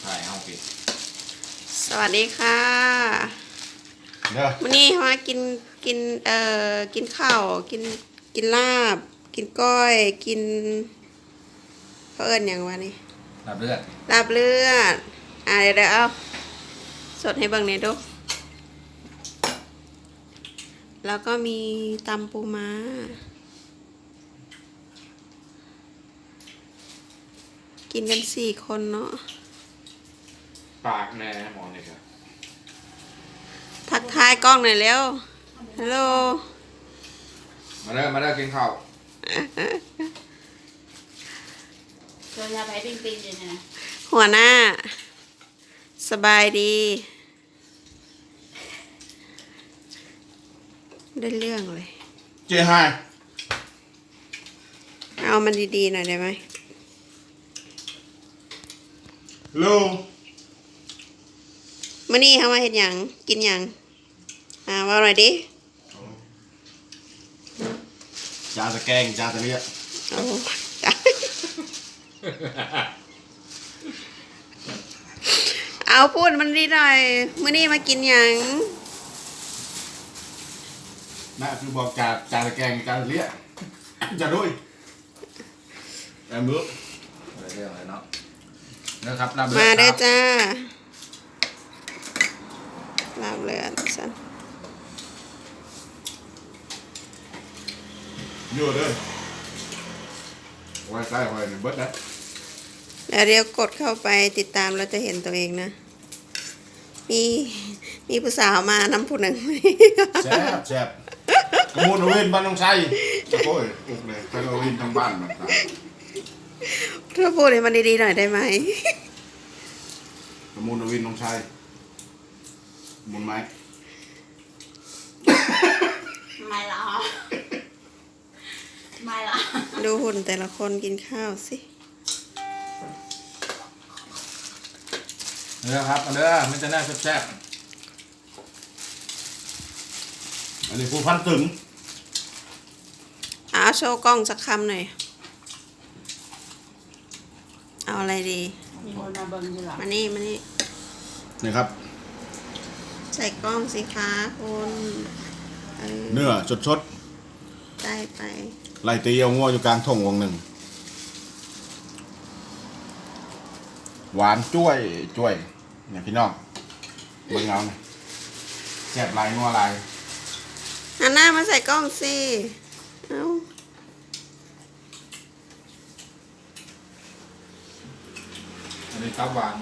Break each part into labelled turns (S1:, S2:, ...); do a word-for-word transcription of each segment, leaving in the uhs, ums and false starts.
S1: ถ่ายเอาปิด
S2: สวัสดีค่ะวันนี้มากินกินเอ่อกินข้าวกินกินลาบกินก้อยกินเพิ่นอย่างวะนี่
S1: ลาบเลือด
S2: ลาบเลือดอ่ะเดี๋ยวเดี๋ยวเอาสดให้เบิ่งหน่อยดูแล้วก็มีตำปูม้ากินกันสี่คนเนาะ
S1: ปากแน่หมอเนี่ยครับ
S2: ทักทายกล้องหน่อยเร็วฮัลโหล
S1: มาเด้อมาเด้อกินข้าว
S3: โดนยาไปปิ้งปิ้งเลยนะ
S2: หัวหน้าสบายดีได้เรื่องเลย
S1: เจ๊ไฮ
S2: เอามันดีๆหน่อยได้ไหม
S1: ลู
S2: มื่อนี้เขามาเห็นอย่างกินอย่างอ่าว่าหน่อยดิ
S1: จาตะแกงจาตะเลีย
S2: โอ้จ้าเอาพูดมันดีหน่อยมื่อนี้มากินอย่าง
S1: น่าคือบอกจาจาตะแกงจาตะเลียจะด้วยแอมบุ๊กเรื่องอะไรเนาะนะครับ
S2: มาได้จ้าลาบเลือดสัน
S1: อยู่เลยไว้ใส่ไว้ในเบิร์ดนะ
S2: แล้วเดี๋ยวกดเข้าไปติดตามเราจะเห็นตัวเองนะมีมีผู้สาวมานำผู้หนึ่ง
S1: แซ่บแซ่บกระมูลเอาเวนบ้านน้องชัยโอ้ยอุกเลยไปเอาเวนทั้งบ้านมัน
S2: เธอพูดให้มันดีๆหน่อยได้ไหม
S1: กระมูลเอาเวนน้องชัยมุนไหม
S3: ไม่หรอไม่หรอ
S2: ดูหุ่นแต่ละคนกินข้าวสิ
S1: เนื้อครับเนื้อมันจะน่าแซ่บๆอันนี้ผู้พันตึง
S2: เอาโชว์กล้องสักคำหน่อยเอาอะไรดี
S3: มีคนมาเบิ่งอยู่หรอ
S2: มานี่มานี่
S1: นี่ครับ
S2: ใส่กล้องสิคะคุณ
S1: เนื้อชด
S2: ๆได้ไป
S1: ไล่ตีเอางัวอยู่กลางทุ่งวงหนึ่งหวานจ้วยจ้วยเนี่ยพี่น้องเบิ่งเอาหน่อยแซ่บลายงัวลาย
S2: หันหน้ามาใส่กล้องสิเอา
S1: อันนี้ตับหวาน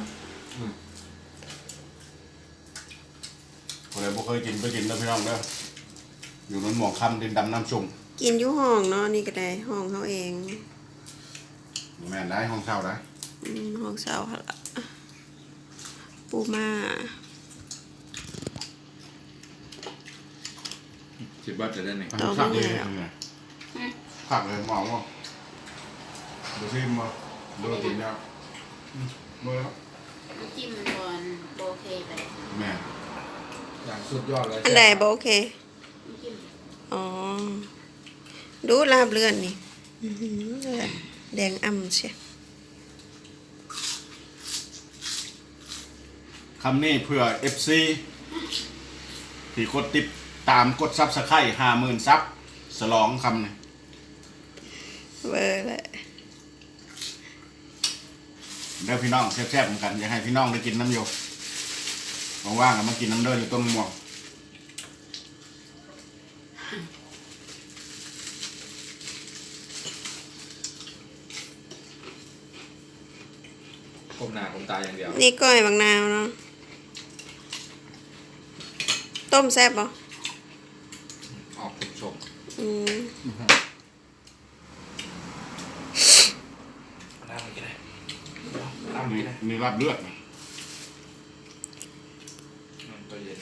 S1: คนไหนบ่เคยกินไปกินนะพี่น้องเด้ออยู่นั้นหมองคำดินดำน้ำชุ่ม
S2: กินอยู่ห้องเนาะนี่ก็ได้ห้องเขาเอง
S1: แม่นได้ห้องเช่าได้
S2: ห้องเช่าค่ะปูม่า
S1: สิบบาทจะได้ไหมขักเลยขักเลยหมองวะดูซิมาดูกินแล้วเมื่อ
S3: จิ้มบนโบเคไป
S1: แม่อย่างสุดยอดเลย
S2: อันใดโบเคอ๋อดูลาบเลือดนี่แดงอ่ำเชีย
S1: คำนี้เพื่อ เอฟ ซี ที่กดติดตามกดซับสไครต์ห้าหมื่นซับสลองคำนี้
S2: เบอร์แหละ
S1: เดี๋ยวพี่น้องแซ่บๆเหมือนกันอยากให้พี่น้องได้กินน้ำโยว่างๆมากินน้ำเดินอยู่ต้นม่วงก้มหน้าก้มตาอย่างเดียว
S2: นี่ก้อยบางนาวเนาะต้มแซ่บป่ะ
S1: ออกคุณชม
S2: อืม
S1: น้ำมันกินได้น้ำมีมีลาบเลือดตัวเย็น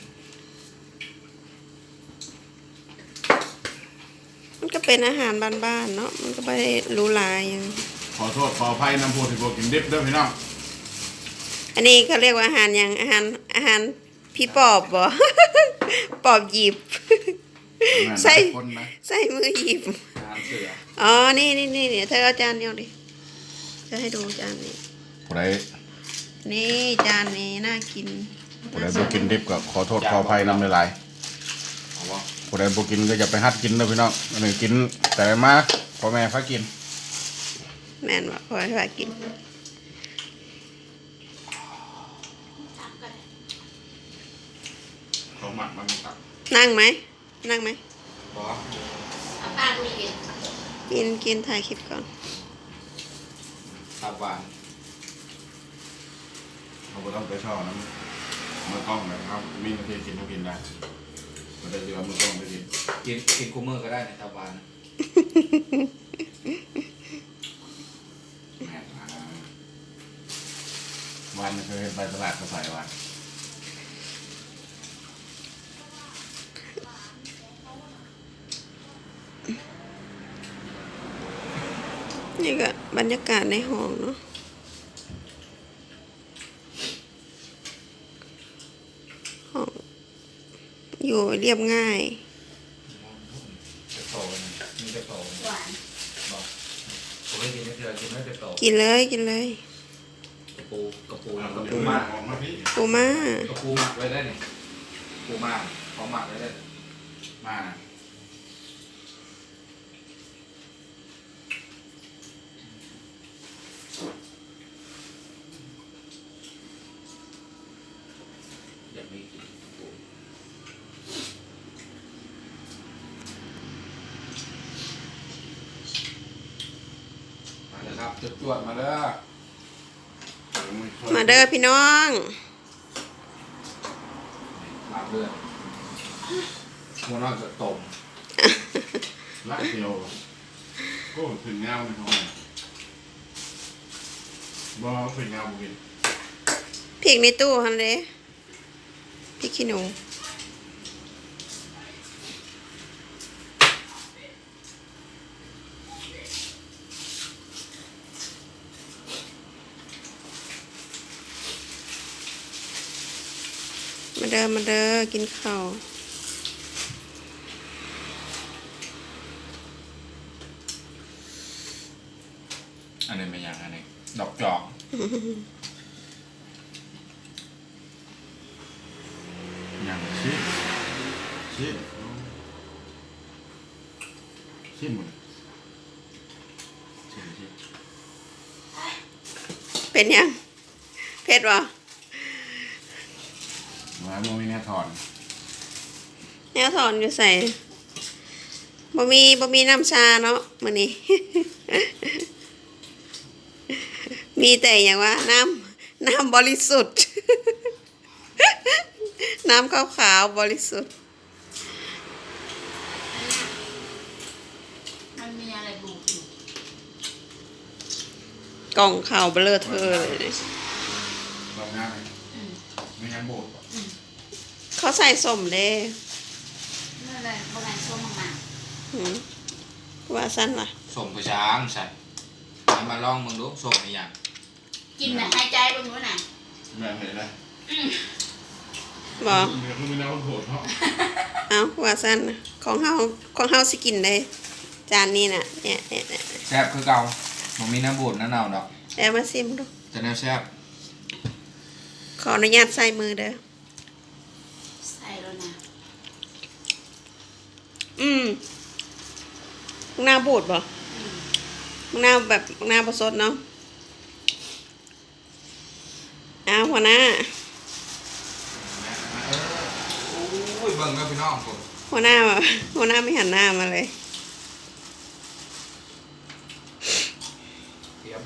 S2: มันก็เป็นอาหารบ้านๆเนาะมันก็ไม่ได้รู้ลายยัง
S1: ขอโทษขออภัยน้ำโพธิโบกินดิบเด้อพี่น้อง
S2: อันนี้เขาเรียกว่าอาหารอย่างอาหารอาหารพี่ปอบบ่ปอบหยิบใส่ใส่มือหยิบอ๋อนี่นี่นี่เธอเอาจานเดียวดิจะให้ดูจานนี้
S1: ผู้ใด
S2: นี่จานนี้น่ากิน
S1: ผู้ใดบ่กินดิบก็ขอโทษขออภัยนำหลาย
S4: เอาวะ
S1: ๆผู้ใดบ่กินก็อย่าไปหัดกินนะพี่น้องอันนี้กินแต่มาพ่อแม่พากิน
S2: แม่นว่าพอให้ว่ากิน
S1: เขาหมักมันตัก
S2: นั่งไหมนั่งไหม
S4: บอ
S3: เอาป้าดูกิน
S2: กินกินถ่ายคลิปก่อน
S4: ตับหวาน
S1: เขาบ่ต้องไปช่อน้ำมือกล้องนะครับมีนาทีกินก็กินได้บ่ได้เดือมือกล้องไปกิน
S4: กินกินคูเมอร์ก็ได้ในตับหวาน
S1: แม่อ่าวันเคยเห็นไปตลาดเขาใส่วัน
S2: นี่ก็บรรยากาศในห้องเนาะห้องอยู่เรียบง่าย
S4: จะโตนะมีจะโต
S3: หวาน
S4: บอกผมไม่กินไม่เจอกินไม่จะโต
S2: กินเลยกินเลย
S4: กระปูกระปู
S1: เอา
S4: กระ
S1: เดี๋ย
S4: ปู
S1: ว
S4: ห
S1: มา
S4: มัก
S1: ออกมาพี่
S2: ปูมาก
S4: ระปูหมักไว้ได้นี่ปูหมักเขาหมักไว้ได้
S1: มานะ
S4: อยากมีกินกระปูมาเลยครับจุดจวดมาเด้อ
S2: มาเด้อพี่น้อง
S4: หมักเลือดหัวนอกจะต้ม
S1: ละเดียวก็ถึงเงาในห้องบ่ถึงเงาบุกิน
S2: พริกในตู้ฮันเลยพริกขี้หนูมาเด้อมาเด้อกินข้าว
S4: อันนี้เป็นอย่างอันนี้ดอกจอก
S1: อย่างชิชิชิหมดชิชิ
S2: เป็นยังเผ็ดวะ
S1: มาโมมีแน่ถอน
S2: แนวถอนอยู่ใส่บ่มีบ่มีน้ำชาเนาะมื้อนี้ มีแต่อย่างว่าน้ำน้ำบริสุทธิ์ น้ำขาวๆบริสุทธิ์
S3: มันมีอะไรบูดอยู่
S2: กล่องข่าวเบลอเธอเลยเนี่ย
S1: ลองง่าย
S3: อืม
S1: ไม่งั้นโบด
S2: เขาใส่สมเด้
S3: นั่นเลยโบราณส้มมาก
S2: หืมว่าสั้นล่ะ
S4: ส่งไปช้างใส่เอามาลองมึงดูส่งในอย่าง
S3: ๆกินน่ะหายใจบนนู้นน่ะ
S1: แม่เห็นเลย
S2: บอก
S1: เดี๋ยวคุณไม่น่าโบดเพราะ
S2: เอ้าว่าสั้นน่ะของเฮาของเฮาสิกินได้จานนี้น่ะเนี่ยเนี่ยเนี่ย
S4: แซ่บคือเก่าผมมีน้ำบูดน้ำเน่าดอก
S2: แล้วมาซิมดู
S4: จะแนวแซ่บ
S2: ขออนุญาตใส่มือเด้อ
S3: ใส่แล้วนะ
S2: อืมมึงหน้าบูดบ่
S3: อืม
S2: มึงหน้าแบบมึงหน้าบ่สดเนาะอ้าวหัวหน้า
S4: โอ้ยเบิ่งกับพี่น้องผม
S2: หัวหน้าแบบหัวหน้าไม่หันหน้ามาเลย
S4: เตรียม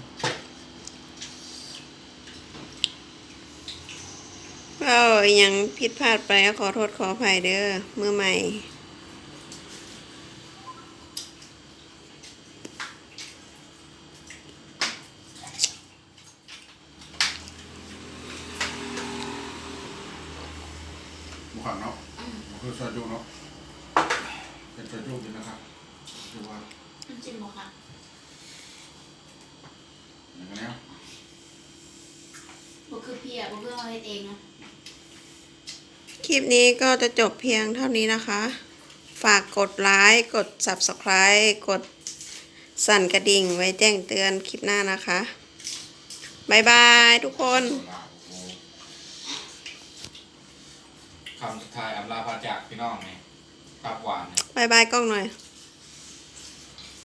S2: เราอหยังผิดพลาดไปก็ขอโทษขออภัยเด้อมือใหม่
S1: บุขันเนาะคือซอยจุเนาะเป็นซอยจุกินนะครับดูว่า
S3: น้ำจิ้มบ่ค่ะ
S1: อย่างนี้
S3: บ่คือเพียบ่เพื่อเอาเฮ็ดเองเนาะ
S2: คลิปนี้ก็จะจบเพียงเท่านี้นะคะ ฝากกดไลค์กด ซับสไครบ์ กดสั่นกระดิ่งไว้แจ้งเตือนคลิปหน้านะคะบายบายทุกคน
S4: คำสุดท้ายอำลาพาจากพี่น้องไงตับหวาน
S2: บายบายกล้องหน่อย